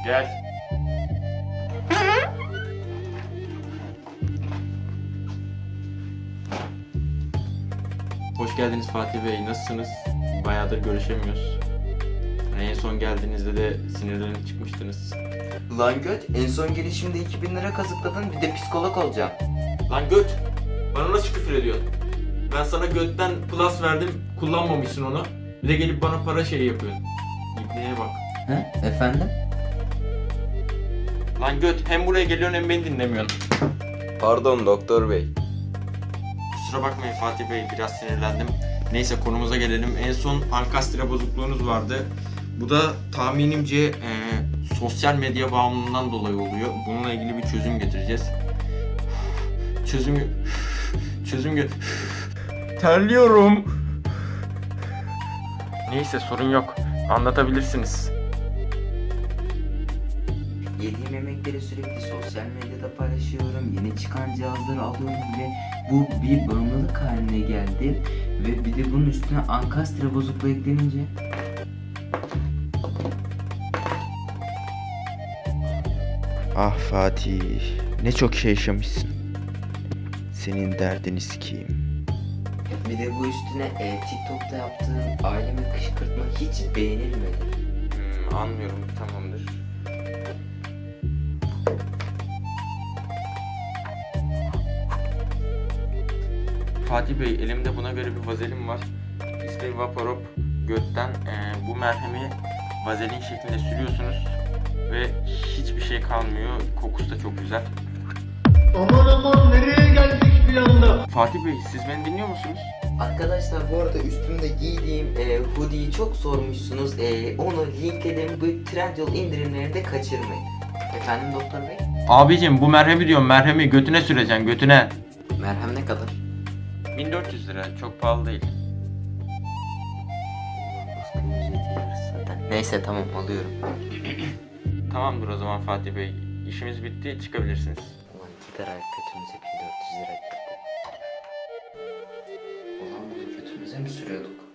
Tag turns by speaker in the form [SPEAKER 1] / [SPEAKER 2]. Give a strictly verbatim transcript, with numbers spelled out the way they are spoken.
[SPEAKER 1] Gel. Hoş geldiniz Fatih Bey. Nasılsınız? Bayağıdır görüşemiyoruz. Hani en son geldiğinizde de sinirlenip çıkmıştınız.
[SPEAKER 2] Lan göt, en son gelişimde iki bin lira kazıkladın, bir de psikolog olacağım.
[SPEAKER 1] Lan göt! Bana nasıl küfür ediyorsun? Ben sana götten plus verdim, kullanmamışsın onu. Bir de gelip bana para şey yapıyorsun. İbneye bak.
[SPEAKER 2] He, efendim?
[SPEAKER 1] Lan göt, hem buraya geliyorsun hem beni dinlemiyorsun.
[SPEAKER 2] Pardon doktor bey.
[SPEAKER 1] Kusura bakmayın Fatih Bey, biraz sinirlendim. Neyse konumuza gelelim. En son ankastre bozukluğunuz vardı. Bu da tahminimce e, sosyal medya bağımlılığından dolayı oluyor. Bununla ilgili bir çözüm getireceğiz. Çözüm... Çözüm... ge- Terliyorum. Neyse sorun yok. Anlatabilirsiniz.
[SPEAKER 2] Yediğim yemekleri sürekli sosyal medyada paylaşıyorum. Yeni çıkan cihazları alıyorum ve bu bir bağımlılık haline geldi. Ve bir de bunun üstüne ankastre bozukluğu eklenince...
[SPEAKER 3] Ah Fatih, ne çok şey yaşamışsın. Senin derdini sikeyim.
[SPEAKER 2] Bir de bu üstüne e, TikTok'ta yaptığım ailemi kışkırtma hiç beğenilmedi.
[SPEAKER 1] Hmm, anlıyorum, tamamdır. Fatih Bey, elimde buna göre bir vazelin var. İsmi Vaporop. Götten eee, bu merhemi vazelin şeklinde sürüyorsunuz ve hiçbir şey kalmıyor. Kokusu da çok güzel.
[SPEAKER 4] Aman aman nereye geldik bir anda?
[SPEAKER 1] Fatih Bey, siz beni dinliyor musunuz?
[SPEAKER 2] Arkadaşlar bu arada üstümde giydiğim e, hoodie'yi çok sormuşsunuz. E, onu linkledim. Bu Trendyol indirimlerinde kaçırmayın. Efendim doktor bey?
[SPEAKER 1] Abicim bu merhemi diyorum, merhemi götüne süreceksin, götüne.
[SPEAKER 2] Merhem ne kadar?
[SPEAKER 1] bin dört yüz lira, çok pahalı değil.
[SPEAKER 2] Neyse tamam alıyorum.
[SPEAKER 1] Tamamdır o zaman Fatih Bey. İşimiz bitti, çıkabilirsiniz.
[SPEAKER 2] Ulan gider ayak götümüze bin dört yüz lira gitti. Ulan bunu götümüze mi sürüyorduk?